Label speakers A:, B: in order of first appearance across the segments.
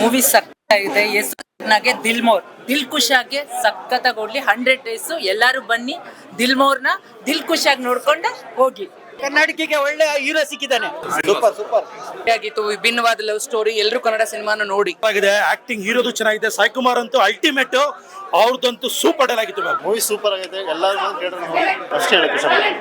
A: Movie ಸಕ್ಕತ್ತಾಗಿದೆ. ಹೆಸರಿಗೆ ದಿಲ್ ಖುಷಿಯಾಗಿ ಸಖತ್ತಾಗಿ ಓಡ್ಲಿ. 100 ಡೇಸ್ ಎಲ್ಲರೂ ಬನ್ನಿ. ದಿಲ್ಮೋರ್ನ ದಿಲ್ ಖುಷಿಯಾಗಿ ನೋಡ್ಕೊಂಡು ಹೋಗಿ.
B: ಕರ್ನಾಟಕಕ್ಕೆ ಒಳ್ಳೆ ಹೀರೋ ಸಿಕ್ಕಿದ್ದಾನೆ. ಸೂಪರ್
A: ಆಗಿತ್ತು. ವಿಭಿನ್ನವಾದ ಲವ್ ಸ್ಟೋರಿ. ಎಲ್ಲರೂ ಕನ್ನಡ ಸಿನಿಮಾನ ನೋಡಿ.
C: ಆಕ್ಟಿಂಗ್ ಹೀರೋದು ಚೆನ್ನಾಗಿದೆ. ಸಾಯಿ ಕುಮಾರ್ ಅಂತೂ ಅಲ್ಟಿಮೇಟ್. ಅವ್ರದಂತೂ ಸೂಪರ್ ಡಲ್ ಆಗಿತ್ತು.
D: ಮೂವಿ ಸೂಪರ್ ಆಗಿದೆ. ಎಲ್ಲರೂ ಅಷ್ಟೇ ಹೇಳಕ್ಕೆ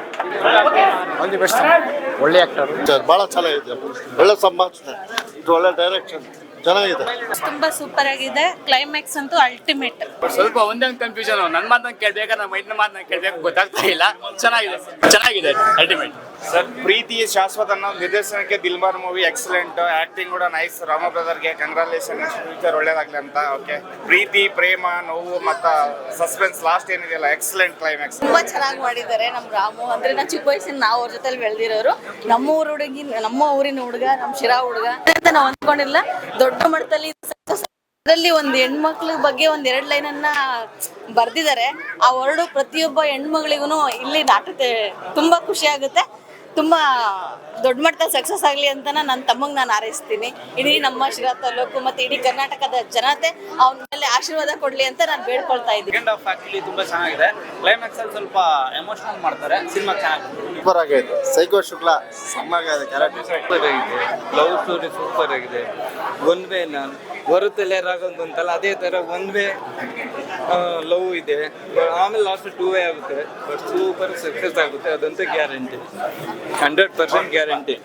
E: ಒಳ್ಳೆ ಆಕ್ಟರ್,
D: ಬಹಳ ಚೆನ್ನಾಗಿದೆ. ಒಳ್ಳೆ ಸಂಭಾಷಣೆ, ಒಳ್ಳೆ ಡೈರೆಕ್ಷನ್ ಚೆನ್ನಾಗಿದೆ.
F: ತುಂಬಾ ಸೂಪರ್ ಆಗಿದೆ. ಕ್ಲೈಮ್ಯಾಕ್ಸ್ ಅಂತೂ ಅಲ್ಟಿಮೇಟ್.
E: ಸ್ವಲ್ಪ ಒಂದೇ ಕನ್ಫ್ಯೂಷನ್. ನನ್ನ ಮಾತನ್ನ ಕೇಳ್ಬೇಕಾ ನಮ್ಮ ಮೈಂಡ್ ಮಾತನ್ನ ಕೇಳ್ಬೇಕು ಗೊತ್ತಾಗ್ತಾ ಇಲ್ಲ. ಚೆನ್ನಾಗಿದೆ ಅಲ್ಟಿಮೇಟ್.
G: ಸರ್, ಪ್ರೀತಿ ಶಾಶ್ವತ ಅನ್ನೋ ನಿರ್ದೇಶನಕ್ಕೆ ದಿಲ್ಬಾರ್ ಮೂವಿ ಎಕ್ಸಲೆಂಟ್. ಆಕ್ಟಿಂಗ್ ಕೂಡ ನೈಸ್. ರಾಮ ಬ್ರದರ್ಗೆ ಕಂಗ್ರಾಲೇಷನ್. ಫ್ಯೂಚರ್ ಒಳ್ಳೇದಾಗ್ಲಿ ಅಂತ. ಓಕೆ, ಪ್ರೀತಿ, ಪ್ರೇಮ, ನೋವು ಮತ್ತ ಸಸ್ಪೆನ್ಸ್ ಲಾಸ್ಟ್ ಏನಿದೆಯಲ್ಲ, ಎಕ್ಸಲೆಂಟ್ ಕ್ಲೈಮ್ಯಾಕ್ಸ್.
F: ತುಂಬಾ ಚೆನ್ನಾಗಿ ಮಾಡಿದ್ದಾರೆ. ನಮ್ಮ ರಾಮು ಅಂದ್ರೆ ನಾವು ಚಿಕ್ಕ ವಯಸ್ಸಿನ ನಾವು ಅವ್ರ ಜೊತೆ ಬೆಳೆದಿರೋರು. ನಮ್ಮ ಊರಿನ ಹುಡುಗ, ನಮ್ಮ ಶಿರಾ ಹುಡುಗ ಅಂತ ನಾವು ಅಂದ್ಕೊಂಡಿಲ್ಲ. ದೊಡ್ಡ ಮಟ್ಟದಲ್ಲಿ ಅದರಲ್ಲಿ ಒಂದು ಹೆಣ್ಮಕ್ಳ ಬಗ್ಗೆ ಒಂದ್ 2 ಲೈನನ್ನ ಬರ್ದಿದ್ದಾರೆ. ಆ ವರ್ಡು ಪ್ರತಿಯೊಬ್ಬ ಹೆಣ್ಮಗಳಿಗೂ ಇಲ್ಲಿ ನಾಟಕ ತುಂಬಾ ಖುಷಿ ಆಗುತ್ತೆ. ತುಂಬಾ ದೊಡ್ಡ ಮಟ್ಟದಲ್ಲಿ ಸಕ್ಸಸ್ ಆಗಲಿ ಅಂತ ನನ್ನ ತಮ್ಮಂಗೆ ನಾನು ಹಾರೈಸ್ತೀನಿ. ಇಡೀ ನಮ್ಮ ಶಿರಾ ತಾಲೂಕು ಮತ್ತೆ ಇಡೀ ಕರ್ನಾಟಕದ ಜನತೆ ಅವನ ಮೇಲೆ ಆಶೀರ್ವಾದ ಕೊಡ್ಲಿ ಅಂತ ನಾನು ಬೇಡ್ಕೊಳ್ತಾ ಇದ್ದೀನಿ.
E: ಸೆಕೆಂಡ್ ಹಾಫ್ ಆಕ್ಚುಲಿ ತುಂಬಾ ಚೆನ್ನಾಗಿದೆ. ಕ್ಲೈಮ್ಯಾಕ್ಸ್ ಅಲ್ಲಿ ಸ್ವಲ್ಪ ಎಮೋಷನಲ್ ಮಾಡ್ತಾರೆ. ಸಿನಿಮಾ ಚೆನ್ನಾಗಿದೆ.
D: ಸೂಪರ್ ಆಗೈತೆ. ಸೈಕೋ ಶುಕ್ಲಾ ಸಮ್ಮಾಗಿದೆ. ಕ್ಯಾರೆಕ್ಟರ್
H: ಸೂಪರ್ ಆಗಿದೆ. ಲವ್ ಸ್ಟೋರಿ ಸೂಪರ್ ಆಗಿದೆ. ಒನ್ ವೇ ನಾನು ಬರುತ್ತಲೇ ರಾಗೊಂತಲ್ಲ ಅದೇ ಥರ ಒನ್ ವೇ ಲವ್ ಇದೆ. ಆಮೇಲೆ ಲಾಸ್ಟ್ 2 ವೇ ಆಗುತ್ತೆ. ಬಟ್ ಸೂಪರ್ ಸಕ್ಸಸ್ ಆಗುತ್ತೆ, ಅದಂತೂ ಗ್ಯಾರಂಟಿ. 100% ಗ್ಯಾರಂಟಿ.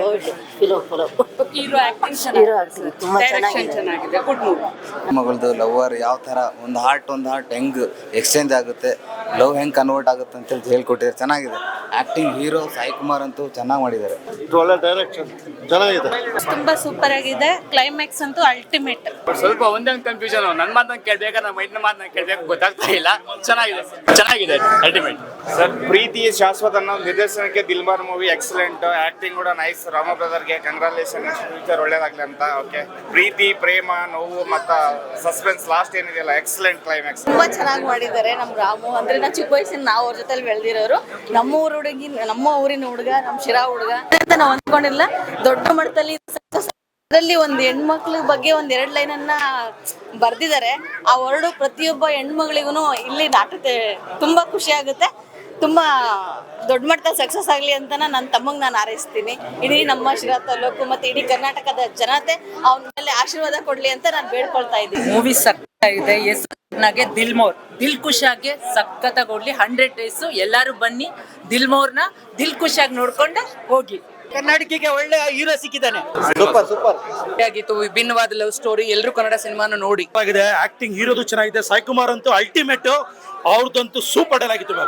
I: ಮಗಳದು ಲವರ್ ಯಾವ ಥರ ಒಂದು ಹಾರ್ಟ್ ಹೆಂಗ್ ಎಕ್ಸ್ಚೇಂಜ್ ಆಗುತ್ತೆ, ಲವ್ ಹೆಂಗ್ ಕನ್ವರ್ಟ್ ಆಗುತ್ತೆ ಅಂತೇಳಿ ಹೇಳ್ಕೊಟ್ಟಿದ್ದಾರೆ. ಚೆನ್ನಾಗಿದೆ. ಆಕ್ಟಿಂಗ್ ಹೀರೋ ಸಾಯಿ ಕುಮಾರ್ ಅಂತೂ ಚೆನ್ನಾಗಿ ಮಾಡಿದ್ದಾರೆ.
D: ಒಳ್ಳೆ ಡೈರೆಕ್ಷನ್ ಚೆನ್ನಾಗಿದೆ.
F: ತುಂಬಾ ಸೂಪರ್ ಆಗಿದೆ. ಕ್ಲೈಮ್ಯಾಕ್ಸ್ ಅಂತೂ ಅಲ್ಟಿಮೇಟ್.
E: ಸ್ವಲ್ಪ ಒಂದೇ ಕನ್ಫ್ಯೂಷನ್. ನನ್ನ ಮಾತನ್ನ ಕೇಳ್ಬೇಕಾ ನಮ್ಮ ಮೈಂಡ್ ಮಾತನ್ನ ಕೇಳ್ಬೇಕು ಗೊತ್ತಾಗ್ತಾ ಇಲ್ಲ. ಚೆನ್ನಾಗಿದೆ ಅಲ್ಟಿಮೇಟ್.
G: ಸರ್, ಪ್ರೀತಿ ಶಾಶ್ವತ ಅನ್ನೋ ನಿರ್ದೇಶನಕ್ಕೆ ದಿಲ್ಬಾರ್ ಮೂವಿ ಎಕ್ಸಲೆಂಟ್. ಆಕ್ಟಿಂಗ್ ಕೂಡ ನೈಸ್. ರಾಮ ಬ್ರದರ್ಗೆ ಕಂಗ್ರಾಲೇಷನ್. ಫ್ಯೂಚರ್ ಒಳ್ಳೇದಾಗ್ಲಿ ಅಂತ. ಓಕೆ, ಪ್ರೀತಿ, ಪ್ರೇಮ, ನೋವು ಮತ್ತ ಸಸ್ಪೆನ್ಸ್ ಲಾಸ್ಟ್ ಏನಿದೆಯಲ್ಲ, ಎಕ್ಸಲೆಂಟ್ ಕ್ಲೈಮ್ಯಾಕ್ಸ್.
F: ತುಂಬಾ ಚೆನ್ನಾಗಿ ಮಾಡಿದ್ದಾರೆ. ನಮ್ಮ ರಾಮು ಅಂದ್ರೆ ನಾವು ಚಿಕ್ಕ ವಯಸ್ಸಿನ ನಾವು ಅವ್ರ ಜೊತೆ ಬೆಳೆದಿರೋರು. ನಮ್ಮ ಊರಿನ ಹುಡುಗ, ನಮ್ಮ ಶಿರಾ ಹುಡುಗ ಅಂತ ನಾವು ಅಂದ್ಕೊಂಡಿಲ್ಲ. ದೊಡ್ಡ ಮಟ್ಟದಲ್ಲಿ ಅದರಲ್ಲಿ ಒಂದು ಹೆಣ್ಮಕ್ಳ ಬಗ್ಗೆ ಒಂದ್ 2 ಲೈನನ್ನ ಬರ್ದಿದ್ದಾರೆ. ಆ ವರ್ಡು ಪ್ರತಿಯೊಬ್ಬ ಹೆಣ್ಮಗಳಿಗೂ ಇಲ್ಲಿ ನಾಟಕ ತುಂಬಾ ಖುಷಿ ಆಗುತ್ತೆ. ತುಂಬಾ ದೊಡ್ಡ ಮಟ್ಟದಲ್ಲಿ ಸಕ್ಸಸ್ ಆಗಲಿ ಅಂತ ನನ್ನ ತಮ್ಮಂಗೆ ನಾನು ಹಾರೈಸ್ತೀನಿ. ಇಡೀ ನಮ್ಮ ಶಿರಾ ತಾಲೂಕು ಮತ್ತೆ ಇಡೀ ಕರ್ನಾಟಕದ ಜನತೆ ಅವನ ಮೇಲೆ ಆಶೀರ್ವಾದ ಕೊಡ್ಲಿ ಅಂತ ನಾನು ಬೇಡ್ಕೊಳ್ತಾ ಇದ್ದೀನಿ.
A: ಮೂವಿ ಸಕ್ಕತ್ತಾಗಿದೆ. ಹೆಸರಿಗೆ ದಿಲ್ ಖುಷಿಯಾಗಿ ಸಖತ್ತಾಗಿ ಓಡ್ಲಿ. 100 ಡೇಸ್ ಎಲ್ಲರೂ ಬನ್ನಿ. ದಿಲ್ಮೋರ್ನ ದಿಲ್ ಖುಷಿಯಾಗಿ ನೋಡ್ಕೊಂಡು ಹೋಗಿ.
B: ಕರ್ನಾಟಕಕ್ಕೆ ಒಳ್ಳೆ ಹೀರೋ ಸಿಕ್ಕಿದ್ದಾನೆ.
D: ಸೂಪರ್
A: ಆಗಿತ್ತು. ವಿಭಿನ್ನವಾದ ಲವ್ ಸ್ಟೋರಿ. ಎಲ್ಲರೂ ಕನ್ನಡ ಸಿನಿಮಾನ ನೋಡಿ.
C: ಆಕ್ಟಿಂಗ್ ಹೀರೋದು ಚೆನ್ನಾಗಿದೆ. ಸಾಯಿ ಕುಮಾರ್ ಅಂತೂ ಅಲ್ಟಿಮೇಟ್. ಅವ್ರದಂತೂ ಸೂಪರ್ ಡಲ್ ಆಗಿತ್ತು.